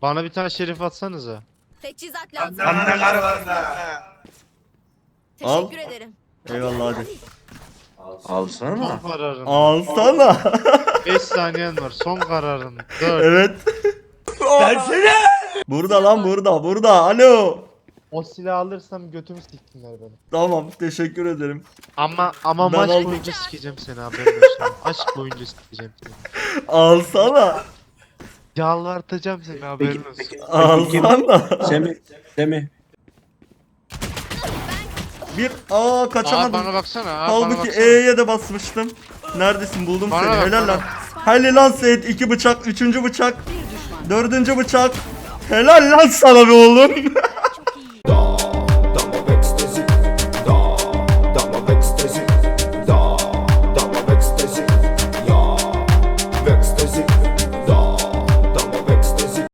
Bana bir tane şerif atsanıza. Teçhizat lazım. Anneler var da. Al. Teşekkür ederim. Eyvallah hadi. Alsana. Son kararın. Alsana. 5 saniyen var. Son kararın. 4. Evet. Burada lan burada. Alo. O silahı alırsam götümü siktinler beni. Tamam teşekkür ederim. Ama Ben maç aldım. boyunca sikeceğim seni, haberin olsun. Aşk boyunca sikeceğim seni. Alsana. Yalvartacağım seni, haberin olsun. Alsana. Semih. Kaçamadım. Bana baksana. Bana Halbuki baksana. E'ye de basmıştım. Neredesin? Buldum Bana seni. bak, Helal bana. lan. Helal lan Seyit. 2 bıçak, 3. bıçak. 4. bıçak. Helal lan sana be oğlum.